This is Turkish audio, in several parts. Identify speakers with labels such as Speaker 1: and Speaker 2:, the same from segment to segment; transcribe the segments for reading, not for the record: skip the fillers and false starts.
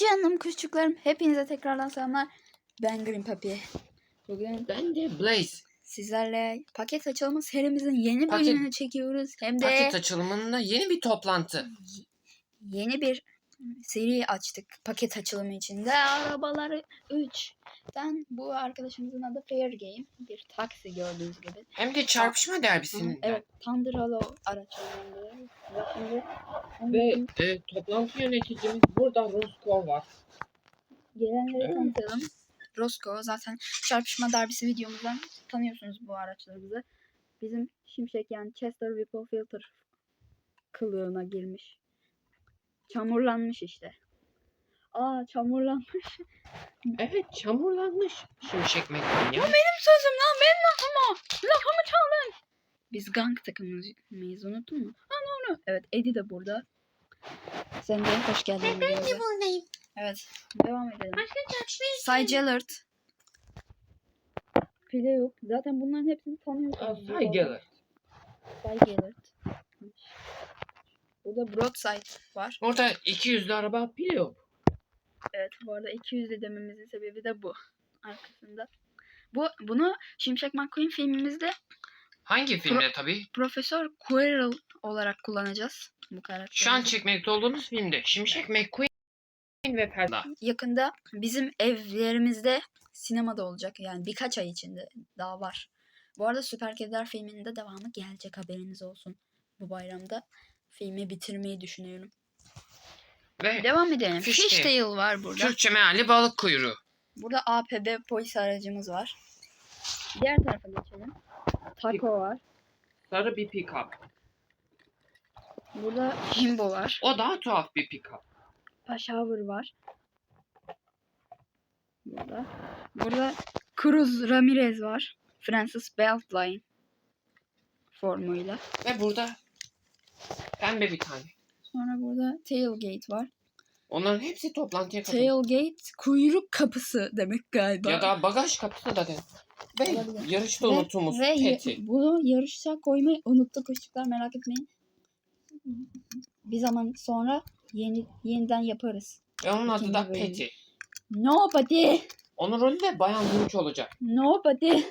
Speaker 1: Canım kuşçuklarım, hepinize tekrardan selamlar. Ben Green Papi. Bugün
Speaker 2: Ben de Blaze.
Speaker 1: sizlerle paket açılımı serimizin yeni bölümünü çekiyoruz. Hem de
Speaker 2: Paket açılımında yeni bir toplantı.
Speaker 1: yeni bir seri açtık paket açılımı içinde. Arabaları 3'ten bu arkadaşımızın adı Fair Game. Bir taksi gördüğünüz gibi.
Speaker 2: Hem de çarpışma derbisinden.
Speaker 1: Evet, Thunder Hollow araçlarında.
Speaker 2: Ve toplantı yöneticimiz burada Roscoe var.
Speaker 1: Gelenleri tanıtalım. Roscoe zaten çarpışma derbisi videomuzdan tanıyorsunuz bu araçlarımızı. Bizim Şimşek yani Chester Whipple Filter kılığına girmiş. Çamurlanmış işte. Çamurlanmış.
Speaker 2: Evet, çamurlanmış. Şimşek McQueen ya.
Speaker 1: Benim sözüm lan, benim lafım o. Lafımı çaldın. Biz gang takımıyız, unuttun mu? Onu. Evet, Eddie de burada. Sen de hoş geldin.
Speaker 3: Ben de buradayım.
Speaker 1: Evet, devam edelim.
Speaker 3: Başka çarpışmayı
Speaker 1: Cy Gellert. Pile yok. Zaten bunların hepsini tanıyorsunuz.
Speaker 2: Saygılı.
Speaker 1: Cy Gellert. Burada Broadside var.
Speaker 2: Orada 200'lü araba pili yok.
Speaker 1: Evet, bu arada 200 dememizin sebebi de bu. Arkasında. Bunu Şimşek McQueen filmimizde
Speaker 2: Hangi filmde tabii?
Speaker 1: Profesör Quirrell olarak kullanacağız. Bu karakteri.
Speaker 2: Şu an çekmekte olduğumuz filmde Şimşek McQueen ve Perla.
Speaker 1: Yakında bizim evlerimizde sinemada olacak. Yani birkaç ay içinde daha var. Bu arada Süper Kediler filminin de devamı gelecek, haberiniz olsun. Bu bayramda filmi bitirmeyi düşünüyorum.
Speaker 2: Ve
Speaker 1: Devam edelim.
Speaker 2: Fishtail.
Speaker 1: Fishtail var burada.
Speaker 2: Türkçe meali balık kuyruğu.
Speaker 1: Burada APB polis aracımız var. Diğer tarafa geçelim. Taco var.
Speaker 2: Sarı bir pick-up.
Speaker 1: Burada Jimbo var.
Speaker 2: O daha tuhaf bir pick-up.
Speaker 1: Pashover var. Burada Cruz Ramirez var. Francis Beltline formuyla.
Speaker 2: Ve burada pembe bir tane.
Speaker 1: Sonra burada Tailgate var.
Speaker 2: Onların hepsi toplantıya katılıyor.
Speaker 1: Tailgate kuyruk kapısı demek galiba.
Speaker 2: Ya da bagaj kapısı da dedim. Ve
Speaker 1: Olabilir.
Speaker 2: yarışta unutumuz
Speaker 1: ve
Speaker 2: Peti.
Speaker 1: bunu yarışa koymayı unuttuk kuşçuklar, merak etmeyin. Bir zaman sonra yeniden yaparız.
Speaker 2: Ve onun adı da
Speaker 1: İkinci bölüm.
Speaker 2: Peti.
Speaker 1: Nobody.
Speaker 2: Onun rolü de Bayan Hınç olacak.
Speaker 1: Nobody.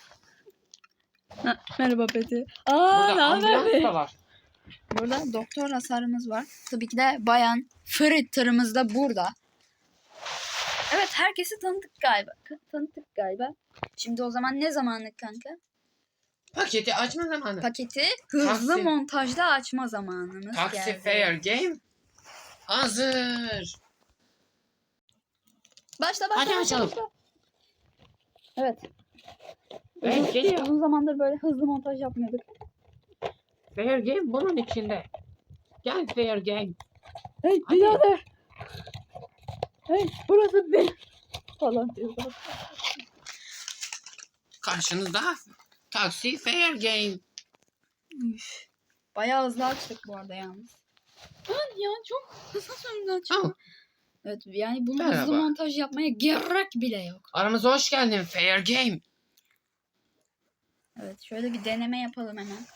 Speaker 1: Merhaba Peti.
Speaker 2: Burada
Speaker 1: Ne haber
Speaker 2: ambulans
Speaker 1: be?
Speaker 2: da var.
Speaker 1: Burada doktor hasarımız var. Tabii ki de Bayan Frittter'ımız da burada. Evet, herkesi tanıttık galiba. Şimdi o zaman ne zamanı kanka?
Speaker 2: Paketi açma zamanı.
Speaker 1: Paketi hızlı
Speaker 2: Taksi.
Speaker 1: montajda açma zamanımız
Speaker 2: Taksi
Speaker 1: geldi.
Speaker 2: Fair Game hazır.
Speaker 1: Başla.
Speaker 2: Hadi açalım.
Speaker 1: Başla. Evet.
Speaker 2: Evet, geliyor.
Speaker 1: Uzun zamandır böyle hızlı montaj yapmıyorduk.
Speaker 2: Fair Game bunun içinde. Gel Fair Game.
Speaker 1: Hey
Speaker 2: Hadi.
Speaker 1: birader. Hey burası benim. Falan diyorlar.
Speaker 2: Karşınızda Taksi Fair Game.
Speaker 1: Üf. Bayağı hızlı açtık bu arada yalnız. Ya çok hızlı sonunda açtık.
Speaker 2: Tamam.
Speaker 1: Evet, yani bunu
Speaker 2: Merhaba.
Speaker 1: hızlı montaj yapmaya gerek bile yok.
Speaker 2: Aramıza hoş geldin Fair Game.
Speaker 1: Evet, şöyle bir deneme yapalım hemen.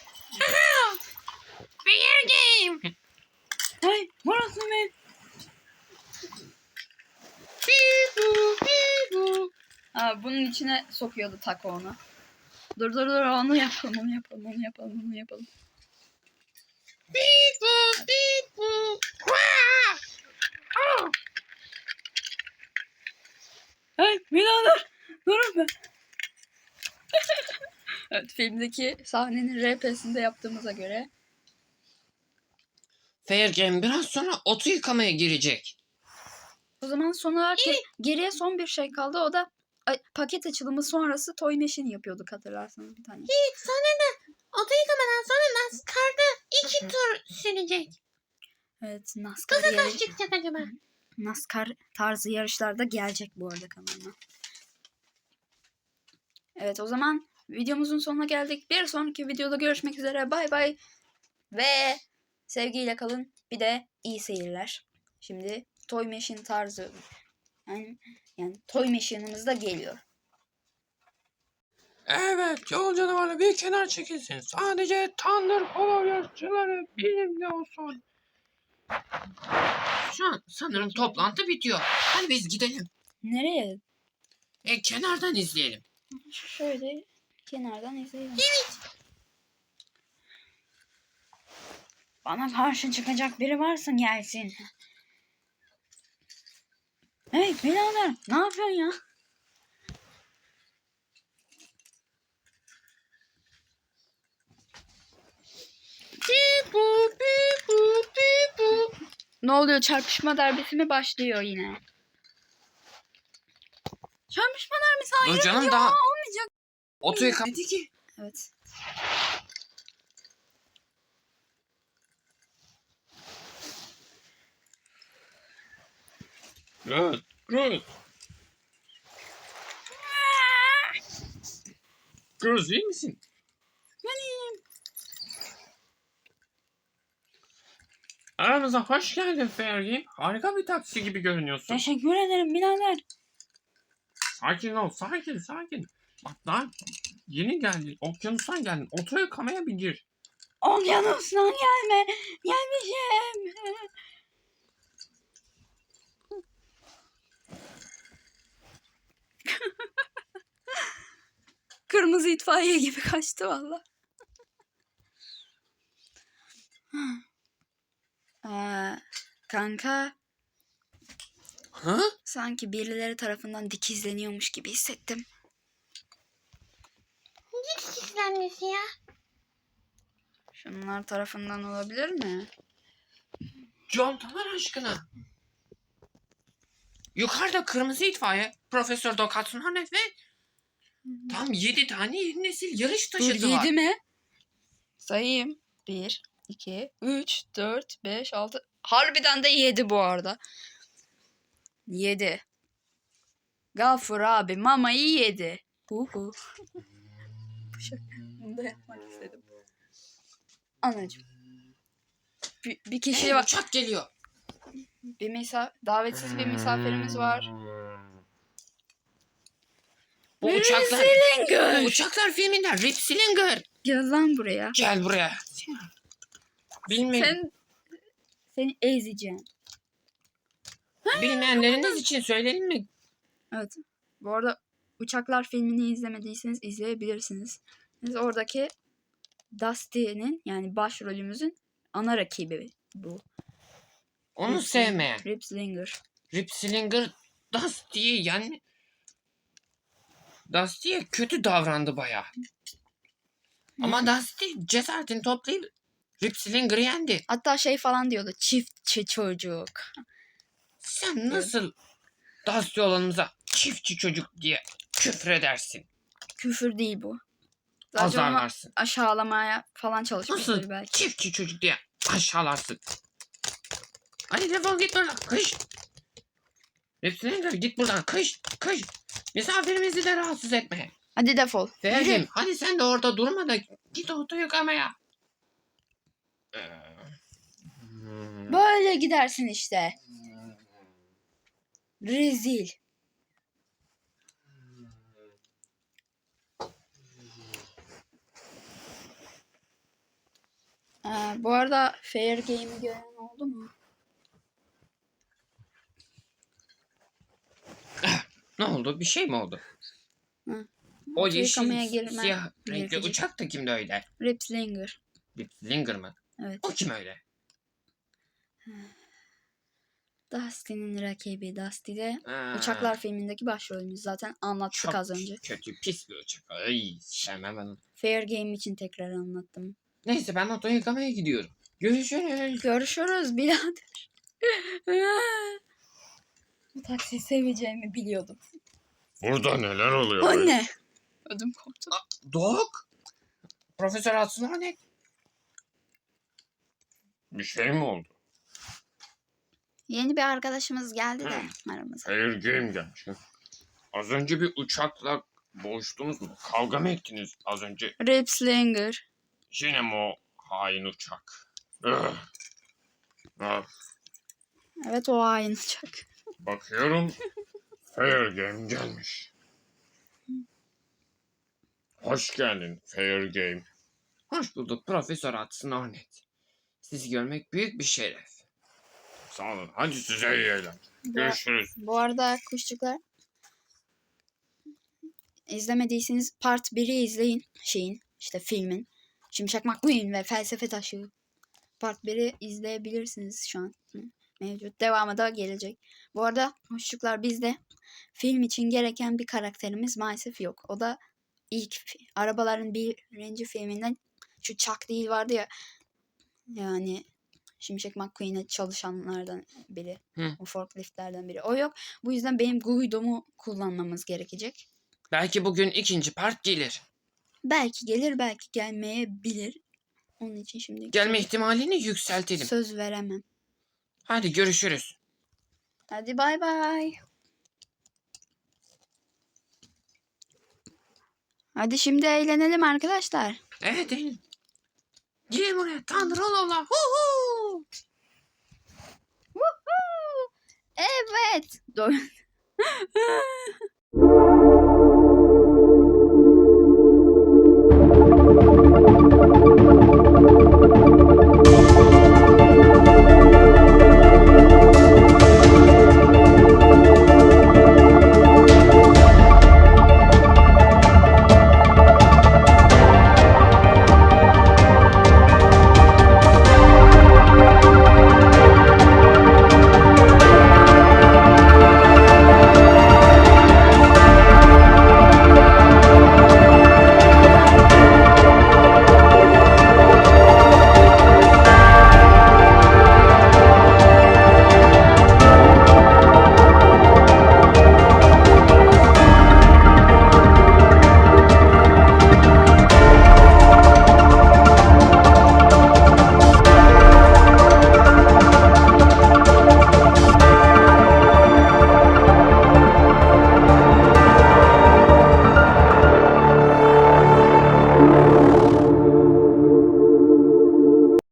Speaker 2: Fair Game.
Speaker 1: Hey burası benim. Bunun içine sokuyordu Taco onu. Dur onu yapalım. Hey birader durun be. Evet, filmdeki sahnenin RP'sinde yaptığımıza göre.
Speaker 2: Fair Game biraz sonra otu yıkamaya girecek.
Speaker 1: O zaman son olarak geriye son bir şey kaldı. O da paket açılımı sonrası Toy Machine yapıyorduk, hatırlarsanız bir tane.
Speaker 3: Sonra da oto yıkamadan sonra NASCAR'da 2 tur sürecek.
Speaker 1: Evet, NASCAR
Speaker 3: Nasıl
Speaker 1: yarış.
Speaker 3: kaç çıkacak acaba?
Speaker 1: NASCAR tarzı yarışlarda gelecek bu arada kanalıma. Evet, o zaman videomuzun sonuna geldik. Bir sonraki videoda görüşmek üzere. Bay bay. Ve sevgiyle kalın. Bir de iyi seyirler. Şimdi Toy Machine tarzı. Yani Toy Machine'ımız da geliyor.
Speaker 2: Evet, yol canavarı bir kenar çekilsin. Sadece Thunder Hollow yarışçıları benimle olsun. Şu an Ama sanırım toplantı bitiyor. Hadi biz gidelim.
Speaker 1: Nereye?
Speaker 2: Kenardan izleyelim.
Speaker 1: Şöyle kenardan izleyelim. Bana karşı çıkacak biri varsa gelsin. Hey birader, ne yapıyorsun ya? Ne oluyor? Çarpışma derbisi mi başlıyor yine? Çarpışma derbisi hayır
Speaker 2: Dur canım,
Speaker 1: ya,
Speaker 2: daha
Speaker 1: olmayacak.
Speaker 2: oto yıkamadı ki.
Speaker 1: Evet.
Speaker 2: Evet. Evet. Kız iyi misin?
Speaker 1: Ben iyiyim.
Speaker 2: Aramıza hoş geldin Fergie. Harika bir taksi gibi görünüyorsun.
Speaker 1: Teşekkür ederim birader.
Speaker 2: Sakin ol, sakin, sakin. Bak daha yeni geldin, okyanustan geldin. Oto yıkamaya bir gir.
Speaker 1: Okyanustan gelme. Gelmişim. Kırmızı itfaiye gibi kaçtı valla. Kanka
Speaker 2: Ha?
Speaker 1: sanki birileri tarafından dikizleniyormuş gibi hissettim.
Speaker 3: Ne dikizlenmesi ya?
Speaker 1: Şunlar tarafından olabilir mi?
Speaker 2: Contalar aşkına. Yukarıda kırmızı itfaiye, Profesör Dokatsun Hanet ve tam 7 tane yeni nesil yarış
Speaker 1: Dur
Speaker 2: taşıtı var.
Speaker 1: 7 mi? Sayayım. 1, 2, 3, 4, 5, 6. Harbiden de 7 bu arada. 7. Gafur abi mamayı yedi. Uhu. Bunu da yapmak istedim. Anacığım. Bir kişi
Speaker 2: Hey,
Speaker 1: var.
Speaker 2: uçak geliyor.
Speaker 1: Davetsiz bir misafirimiz var.
Speaker 2: Bu uçaklar,
Speaker 1: Slinger.
Speaker 2: bu uçaklar filminden Rip Slinger.
Speaker 1: Gel lan buraya.
Speaker 2: Gel buraya.
Speaker 1: Seni ezeceğim.
Speaker 2: Bilmeyenleriniz için söyleyelim mi?
Speaker 1: Evet. Bu arada Uçaklar filmini izlemediyseniz izleyebilirsiniz. Biz oradaki Dusty'nin yani başrolümüzün ana rakibi bu.
Speaker 2: Onu
Speaker 1: Rip
Speaker 2: sevmeyen.
Speaker 1: Rip Slinger.
Speaker 2: Rip Slinger Dusty'ye yani Dusty'ye kötü davrandı bayağı. Ama Dusty cesaretini toplayıp Rip Slinger'ı yendi.
Speaker 1: Hatta şey falan diyordu. Çiftçi çocuk.
Speaker 2: Sen nasıl Dusty olanımıza çiftçi çocuk diye küfür edersin?
Speaker 1: Küfür değil bu. Sadece onu
Speaker 2: Azarlarsın.
Speaker 1: aşağılamaya falan çalışmıştır
Speaker 2: Nasıl
Speaker 1: belki.
Speaker 2: çiftçi çocuk diye aşağılarsın? Hadi defol git buradan. Kış. Rip Slinger git buradan. Kış. Kış. Misafirimizi de rahatsız etme.
Speaker 1: Hadi defol.
Speaker 2: Ferdim
Speaker 1: Yürü.
Speaker 2: hadi sen de orada durma da git oto yıkamaya.
Speaker 1: Böyle gidersin işte. Rezil. Bu arada Fair Game'i gören oldu mu?
Speaker 2: Ne oldu? Bir şey mi oldu?
Speaker 1: Hı.
Speaker 2: O
Speaker 1: Oto
Speaker 2: yeşil
Speaker 1: yıkamaya girme
Speaker 2: siyah renkli
Speaker 1: gerekecek.
Speaker 2: uçak da kimdi öyle?
Speaker 1: Rip Slinger.
Speaker 2: Rip Slinger mı?
Speaker 1: Evet.
Speaker 2: O kim öyle?
Speaker 1: Dusty'nin rakibi. Dusty de
Speaker 2: Ha,
Speaker 1: Uçaklar filmindeki başrolümüz. Zaten anlattık
Speaker 2: çok
Speaker 1: az önce.
Speaker 2: kötü pis bir uçak. Ay sevmem ben onu.
Speaker 1: Fair Game için tekrar anlattım.
Speaker 2: Neyse ben oto yıkamaya gidiyorum. Görüşürüz.
Speaker 1: Görüşürüz birader. Bu taksiyi seveceğimi biliyordum.
Speaker 4: Burada neler oluyor?
Speaker 1: Anne. Ödüm koptu.
Speaker 2: Dok. Profesör Atsuno ne?
Speaker 4: Bir şey mi oldu?
Speaker 1: Yeni bir arkadaşımız geldi de aramıza.
Speaker 4: Air Game gelmiş. Az önce bir uçakla boğuştunuz mu? Kavga mı ettiniz az önce?
Speaker 1: Rip Slinger.
Speaker 4: Yine mi o hain uçak? Ugh. Ah,
Speaker 1: Evet o hain uçak.
Speaker 4: bakıyorum Fair Game gelmiş. Hoş geldin Fair Game.
Speaker 2: Hoş bulduk Profesör Atsuno Net. Sizi görmek büyük bir şeref.
Speaker 4: Sağ olun. Hadi size iyi eğlenceler. Görüşürüz.
Speaker 1: Bu arada kuşçuklar, izlemediyseniz Part 1'i izleyin. İşte filmin. Şimşek McQueen ve Felsefe Taşı. Part 1'i izleyebilirsiniz şu an. Mevcut. Devamı da gelecek. Bu arada kuşçuklar, bizde film için gereken bir karakterimiz maalesef yok. O da ilk arabaların birinci filminden şu Chuck değil vardı ya. Yani Şimşek McQueen'e çalışanlardan biri.
Speaker 2: Hı.
Speaker 1: O forkliftlerden biri. O yok. Bu yüzden benim Guido'mu kullanmamız gerekecek.
Speaker 2: Belki bugün ikinci part gelir.
Speaker 1: Belki gelir, belki gelmeyebilir. Onun için şimdi
Speaker 2: Gelme ihtimalini yükseltelim.
Speaker 1: söz veremem.
Speaker 2: Hadi görüşürüz.
Speaker 1: Hadi bay bay. Hadi şimdi eğlenelim arkadaşlar.
Speaker 2: Evet değil. Gelin buraya Tanrıoğlu. Hu.
Speaker 1: Woohoo! Evet.